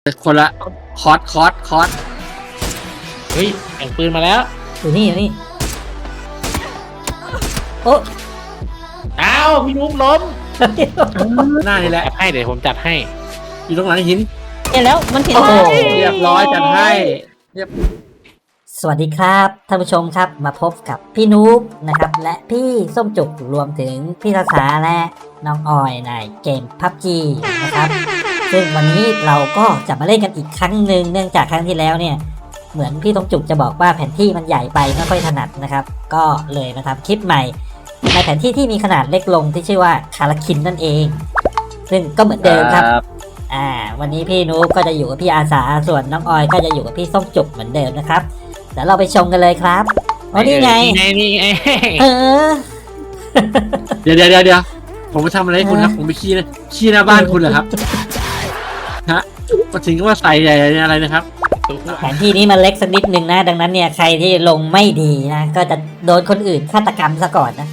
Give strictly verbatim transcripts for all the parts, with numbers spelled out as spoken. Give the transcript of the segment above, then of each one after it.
คนละคอร์สคอร์สคอร์สเฮ้ยแข่งปืนมาแล้วอยู่นี่อยู่นี่โอ้อ้าวพี่นุ๊กล้มหน้านี่แหละจัดให้เดี๋ยวผมจัดให้อยู่ตรงหลังหินเห็นแล้วมันเห็นโอ้โหเรียบร้อยจัดให้เรียบสวัสดีครับท่านผู้ชมครับมาพบกับพี่นุ๊กนะครับและพี่ส้มจุกรวมถึงพี่ภาษาและน้องออยในเกม พับจี นะครับซึ่งวันนี้เราก็จะมาเล่นกันอีกครั้งหนึ่งเนื่องจากครั้งที่แล้วเนี่ยเหมือนพี่ส้มจุกจะบอกว่าแผนที่มันใหญ่ไปไม่ค่อยถนัดนะครับก็เลยมาทำคลิปใหม่ในแผนที่ที่มีขนาดเล็กลงที่ชื่อว่าคาราคินนั่นเอง ซึ่งก็เหมือนเดิมครับอ่าวันนี้พี่นุ๊กก็จะอยู่กับพี่อาสาส่วนน้องออยก็จะอยู่กับพี่ส้มจุกเหมือนเดิมนะครับเดี๋ยวเราไปชมกันเลยครับอ๋อนี่ไงนี่ไงนี่ไงเออเดี๋ยวเดี๋ยวเดี๋ยวเดี๋ยวผมไปทำอะไรให้คุณครับผมไปขี้นะขี้หน้าบ้านคุณเหรอครับฮะมาถึงก็ว่าใส่ใหญ่อะไรนะครับแผนที่นี้มันเล็กสักนิดนึงนะ ดังนั้นเนี่ยใครที่ลงไม่ดีนะก็จะโดนคนอื่นฆาตกรรมซะก่อนนะ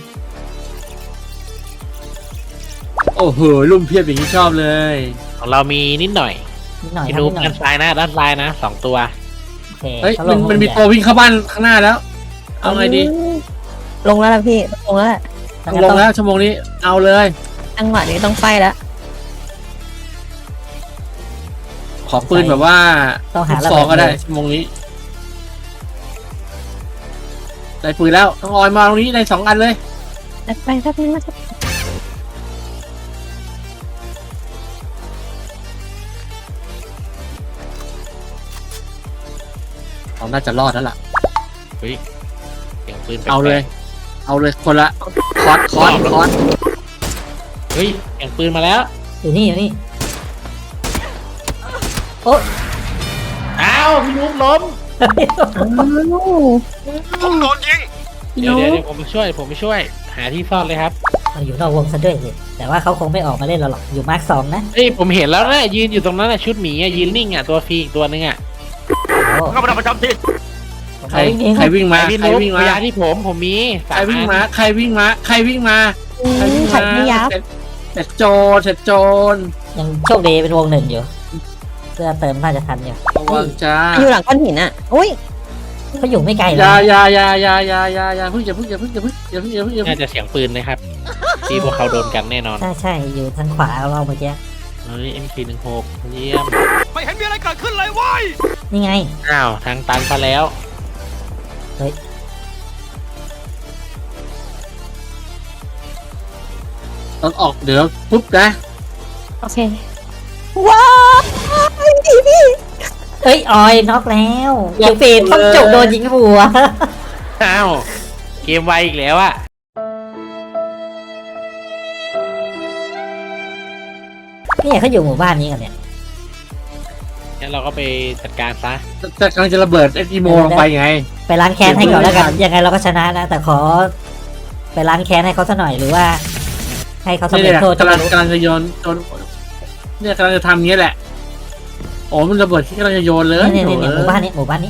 โอ้โหลุ่มเพียบอย่างที่ชอบเลยของเรามีนิดหน่อยนิดหน่อยพี่ครับนุ๊กนิดหน่อยด้านซ้ายนะด้านซ้ายนะสองตัวโอเคเฮ้ยเขาลมันงมันมีใหญ่ตัววิ่งเข้าบ้านข้างหน้าแล้ว เอาไงดีลงแล้วล่ะพี่ลงแล้วล่ะงั้นลก็งแล้วชั่วโมงนี้เอาเลยจังหวะนี้ต้องไฟแล้วขอปืนแบบว่าต้องหาลูกซองก็ได้ชั่วโมงนี้ได้ปืนแล้วต้องออยมาตรงนี้ได้สองอันเลยไปสักนิดนะครับเราน่าจะรอดแล้วล่ะเฮ้ยแข่งปืนแปลกๆเอาเลย เอาเลยคนละคอร์สคอร์สคอร์สเฮ้ยแข่งปืนมาแล้วอยู่นี่อยู่นี่โอ้อ้าวพี่นุ๊กล้มผมโดนยิงเดี๋ยวเดี๋ยวเดี๋ยวผมไปช่วยผมไปช่วย หาที่ซ่อนเลยครับเราอยู่นอกวงซะด้วยสิแต่ว่าเขาคงไม่ออกมาเล่นเราหรอกอยู่มาร์คสองนะเฮ้ยผมเห็นแล้วนะยืนอยู่ตรงนั้นนะชุดหมีอะยืนนิ่งอะตัวฟรีอีกตัวนึงอะโอ้เข้ามาประจำที่ใครใครวิ่งมาพี่ใครนุ๊กวิ่งพมายาที่ผมผมมีใครวิ่งมาใครวิ่งมาใครวิ่งมาใครวิ่งขัมาดไม่ยับเสร็จเสร็จโจรเสร็จโจรยังโชคดีเป็นวงหนึ่งอยู่เพื่อเติมน่าจะทันอยู่ระวังจ้าอยู่หลังก้อนหินอ่ะอุ้ยเขาอยู่ไม่ไกลอเลยย่าอย่าอย่าอย่าอย่าอย่าอย่าพึ่งอย่าพึ่งอย่าพึ่งอย่าพึ่งอย่าพึ่งอย่าพึ่งอย่าพึ่งน่าจะเสียงปืนนะครับ ที่พวกเขาโดนกันแน่นอนใช่ใช่อยู่ทางขวาเราเมื่อกี้เฮ้ย เอ็ม พี หนึ่งหกเยี่ยมไม่เห็นมีอะไรเกิดขึ้นเลยเว้ยนี่ไงอ้าวทางตันไปแล้วต้องออกเดี๋ยวปุ๊บนะโอเคว้าวพี่พี่เอ้ยออยน็อกแล้วเดี๋ยวเฟนต้องจบโดนยิงหัวอ้าว เกมไวอีกแล้วอะเนี่ยเขาอยู่หมู่บ้านนี้กันเนี่ยงั้นเราก็ไปจัดการซะจะกำลังจะระเบิดไอ้อีโมลงไปไงไปล้างแค้นให้ก่อนแล้วกันยังไงเราก็ชนะนะ แต่ขอ ไปล้างแค้นให้เขาสักหน่อยหรือว่า ให้เขาสำนี่เร็จแหละโทษกำลังกำลังจะโยนโยนเนี่ยกำลังจะทำอย่างนี้แหละโอ้มันระเบิดที่กำลังจะโยนเลยนี่นี่นี่หมู่บ้านนี้หมู่บ้านนี้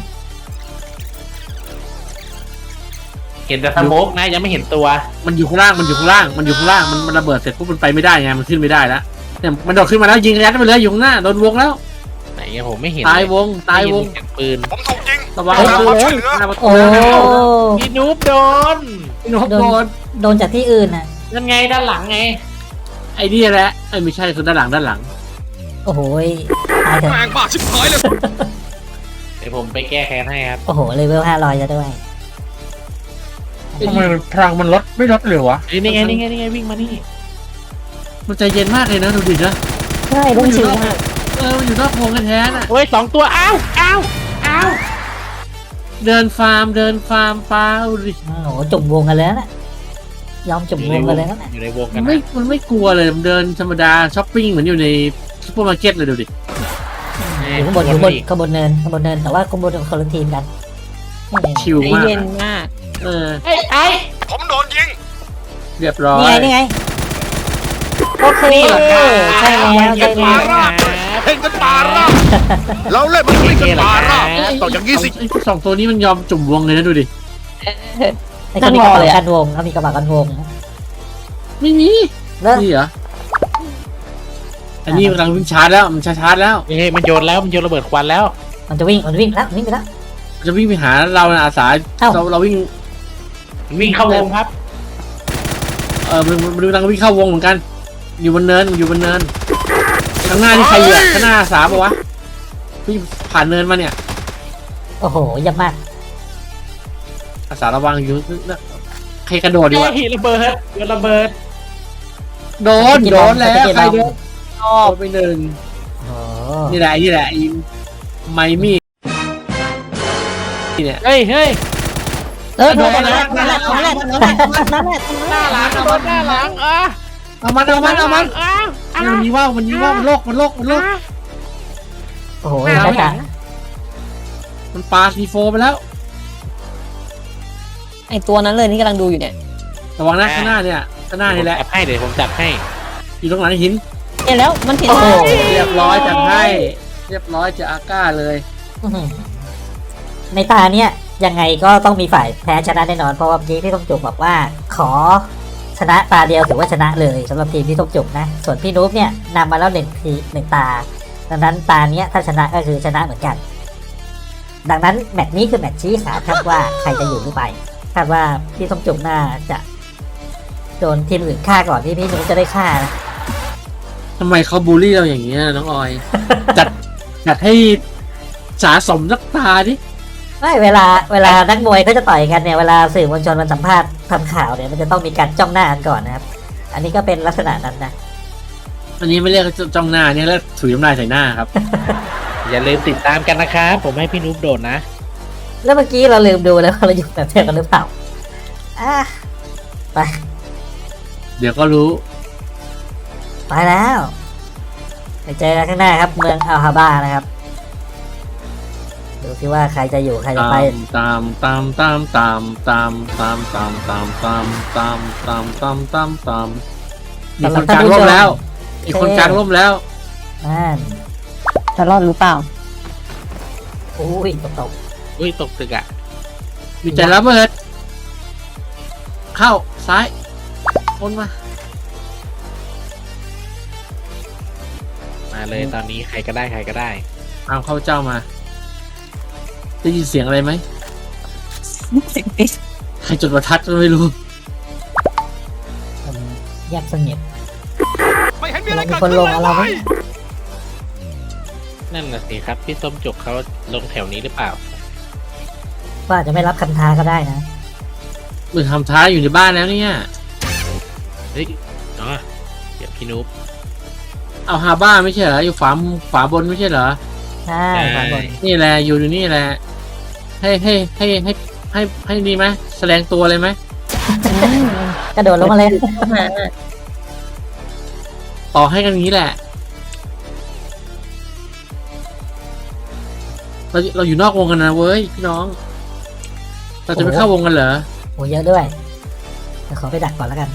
เห็นแต่สโมกนะยังไม่เห็นตัวมันอยู่ข้างล่างมันอยู่ข้างล่างมันอยู่ข้างล่างมันมันระเบิดเสร็จปุ๊บมันไปไม่ได้ไงมันขึ้นไม่ได้แล้วเนี่ยมันโดดขึ้นมาแล้วยิงยัดไปเลยอยู่ข้างหน้าโดนวงแล้วไหนอะผมไม่เห็นตายวงตายวงได้นเสียงปืนผมถูกยิงระวังเอ้ยระควัวามงช่วยเหลือหน้าประตูโอ้พี่นูบโดนพี่นกโดโดนนโดนจากที่อื่นน่ะนั่นไงด้านหลังไงไอ้นี่แหละไอ้ไม่ใช่คือด้านหลังด้านหลังโอ้โหยตายเถอะแม่งบ้าชิบหายเลยเดี๋ยวผมไปแก้แค้นให้ครับโอ้โหเลเวลห้าร้อยจะด้วยทำไมพลังมันลดไม่ลดเลยวะเฮ้ยนี่ไงนี่ไงนี่ไงวิ่งมานี่มันใจเย็นมากเลยนะดูดินะใช่ต้องชิวมากเออมันอยู่นอกวงแท้ๆน่ะโอ้ยสองตัวอ้าวอ้าวอ้าวเดินฟาร์มเดินฟาร์มปลาดูดิโอ้โหจุ่มวงกันแล้วน่ะยอมจุ่มวงกันเลยนะอยู่ในวงกัมัน นไม่นะมันไม่กลัวเลยมันเดินธรรมดาช้อปปิ้งเหมือนอยู่ในซุปเปอร์มาร์เก็ตเลยดูดิอยู่ข้างบนอยู่ข้างบนข้างบนเนินข้างบนเนินแต่ว่าข้างบนคนละทีมกันนี่ชิลใจมากเย็นมากเออไอ้ไอ้ผมโดนยิงเรียบร้อยนี่ไงนี่ไงโอเคใช่แล้วใช่แล้วเพ่งกันป่าราบเราเล่นมันเพ่งกันป่าราบต่ออย่างนี้สิไอ้พวกสองตัวนี้มันยอมจุ่มวงเลยนะดูดิไอ้คนมีกระบะกันวงเขามีกระบะกันวงไม่มีเลิกนี่เหรออันนี้กำลังวิ่งชาร์จแล้วมันชาร์จชาร์จแล้วเฮ้ยมันโยนแล้วมันโยนระเบิดควันแล้วมันจะวิ่งมันจะวิ่งแล้ววิ่งไปแล้วมันจะวิ่งไปหาเรานะอาสาเอ้าเราเราวิ่งมันวิ่งเข้าวงครับเออมันมันกำลังวิ่งเข้าวงเหมือนกัน อยู่บนเนินอยู่บนเนินข้างหน้านี่ใครอ่ะข้างหน้าอาสาปะวะวิ่งผ่านเนินมาเนี่ยโอ้โหเยี่ยมมากอาสาระวังอยู่นะใครกระโดดอยู่เฮ้อะยระเบิดโยนระเบิดโดนโดนแล้วใครโดนโดนไปหนึ่งโอ้โหนี่แหละนี่แหละไอ้ไมมี่นี่เนี่ยเฮ้ยเฮ้ยเออโดโดนนแล้แล้ว วนั่นแหละนั่นแหละนั่นแหละนั่นแหละหน้าหลังเอามันหน้าหลังอ่ะเอามันเอามันเอามันอ่ะอ่ะมันยิงว่าวมันยิงว่าวมันโลกมันโลกมันโลกโอ้โหหน้าจ้าหลัจ๋างมันปาซีโฟไปแล้วไอตัวนั้นเลยที่กำลังดูอยู่เนี่ยระวังนะข้างหน้าเนี่ยข้างหน้านี่แหละจับให้เดี๋ยวผมจับให้อยู่ตรงหลังหินเห็นแล้วมันเห็นโอ้โหเรียบร้อยจัดให้ เรียบร้อยจะอาก้าเลยอื้อหือในตาเนี่ยยังไงก็ต้องมีฝ่ายแพ้ชนะแน่นอนเพราะว่าเมื่อกี้พี่ต้องจุกบอกว่า ขอชนะตาเดียวถือว่าชนะเลยสำหรับทีมพี่ต้องจุกนะ ส่วนพี่นุ๊กเนี่ยนำมาแล้วหนึ่งทีหนึ่งตา ดังนั้นตาเนี้ยถ้าชนะก็คือชนะเหมือนกัน ดังนั้นแมตช์นี้คือแมตช์ชี้ขาดครับว่าใครจะอยู่หรือไปคาดว่าพี่ต้องจุกน่าจะโดนทีมอื่นฆ่าก่อนที่พี่นุ๊กจะได้ฆ่านะทำไมเขาบูลลี่เราอย่างนี้ยน้องออย จัดจัดให้สาสมนักตาดิไม่เวลาเวลานักมวยเขาจะต่อยกันเนี่ยเวลาสื่อมวลชนมันสัมภาษณ์ทำข่าวเนี่ยมันจะต้องมีการจ้องหน้ากันก่อนนะครับ อันนี้ก็เป็นลักษณะนั้นนะอันนี้ไม่เรียกจ้องหน้าเนี่ยแล้วถุยน้ำลายใส่หน้าครับอย่าลืมติดตามกันนะครับผมให้พี่นุ๊กโดดนะแล้วเมื่อกี้เราลืมดูแล้วว่าเราอยู่แบบเดียวกันหรือเปล่าอ่ะไปเดี๋ยวก็รู้ไปแล้วไปเจอกันข้างหน้าครับ เมืองอัลฮาบ้านะครับดูสิว่าใครจะอยู่ใครจะตาไปมตามตามตามตามตามตามตามตามตามตามตามตามตามตามมีคนกลางร่มแล้วมีคนกลางร่มแล้วนั่นจะรอดหรือเปล่าอุ้ยตกตกอุ้ยตกตึกอ่ะมีใจระเบิด เข้าซ้ายพ้นมามาเลยตอนนี้ใครก็ได้ใครก็ได้เอาเข้าเจ้ามา ได้ยินเสียงอะไรไหม ใครจุดประทัดก็ไม่รู้มันเงียบสงบไม่เห็นมีอะไรมีเกิดคนขึ้นลงเอาเราไหมเลยนั่นน่ะสิครับพี่ส้มจุกเขาลงแถวนี้หรือเปล่าว่าจะไม่รับคำท้าก็ได้นะมือทำท้ายอยู่ในบ้านแล้วเนี่ยเฮ้ยอ๋อเดี๋ยวพี่นุ๊กเอาฮาบ้าไม่ใช่เหรอ อยู่ฝาฝาบนไม่ใช่เหรอใช่ขวาบนนี่แหละ อยู่อยู่นี่แหละ ให้ให้ให้ให้ให้ให้นี่ไหมแสดงตัวเลยไหมกระโดดลงมาเลยต่อให้กันอย่างนี้แหละ เราเราอยู่นอกวงกันนะเว้ยพี่น้อง เราจะไม่เข้าวงกันเหรอโอ้เยอะด้วยเดี๋ยวขอไปดักก่อนแล้วกัน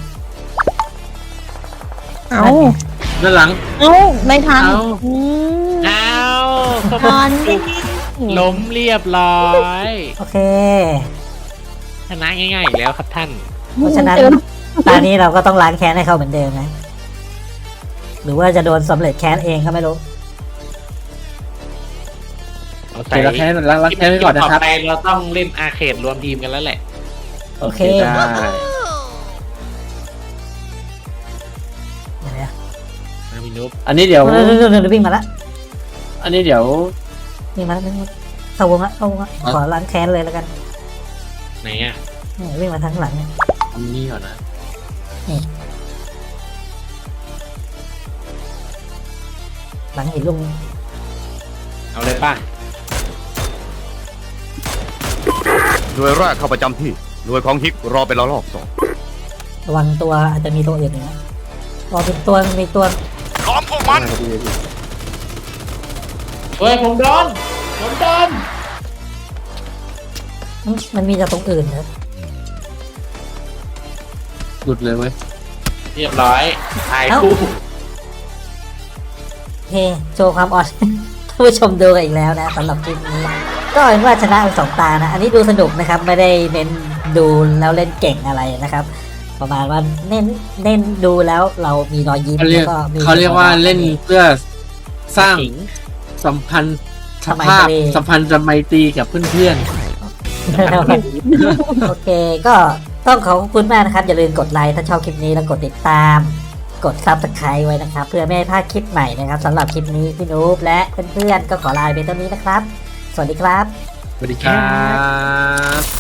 เอ้าด้านหลังเอ้าไม่ทันเอ้าอืมอ้าวส้มทันจุกล้มเรียบร้อยโอเคชนะง่ายๆอีกแล้วครับท่านเพราะฉะนั้นตอนนี้เราก็ต้องล้างแค้นให้เขาเหมือนเดิมนะ หรือว่าจะโดนสำเร็จแค้นเองก็ไม่รู้เอาเดี๋ยวเราแค่เราเราแค่ไว้ก่อนนะครับต่อไปเราต้องเล่นอาร์เคดรวมทีมกันแล้วแหละโอเคได้เดี๋ยวนะนะพี่นุ๊กอันนี้เดี๋ยวเดี๋ยวเดี๋ยวเดี๋ยววิ่งมาละอันนี้เดี๋ยววิ่งมาละวิ่งมาละเข้าวงละเข้าวงละขอล้างแค้นเลยแล้วกันไหนอ่ะนี่วิ่งมาทางหลังเนี่ยทำนี่ก่อนนะหลังหินลุงเอาเลยป่ะหน่วยแรกเข้าประจำที่ หน่วยของฮิกรอเป็นระลอกสองระวังตัวอาจจะมีตัวอื่นอีกนะรอเป็นตัวมีตัวล้อมพวกมันเฮ้ยผมโดนผมโดนมันมันมีแต่ตรงอื่นนะหลุดเลยเว้ยเรียบร้อยถ่ายคู่โอเคโชว์ความอ่อน ท่านผู้ชมดูกันอีกแล้วนะสำหรับคลิปนี้ก็เห็นว่าชนะไปสองตานะ อันนี้ดูสนุกนะครับ ไม่ได้เน้นดูแล้วเล่นเก่งอะไรนะครับประมาณว่าเน้นเน้นดูแล้วเรามีรอยยิ้มเขาเรียกแล้วก็มีเขาเรียกว่าเล่นเพื่อสร้างขิงสัมพันธ์สสมัยภาพทะเลสัมพันธ์จะไมตรีกับเพื่อนโอเคก็ต้องขอบคุณมากนะครับ อย่าลืมกดไลค์ถ้าชอบคลิปนี้แล้วกดติดตาม กด ซับสไครบ์ ไว้นะครับ เพื่อไม่ให้พลาดคลิปใหม่นะครับสำหรับคลิปนี้พี่นูบและเพื่อนๆก็ขอลาไปเพียงเท่านี้นะครับ สวัสดีครับๆสวัสดีครับ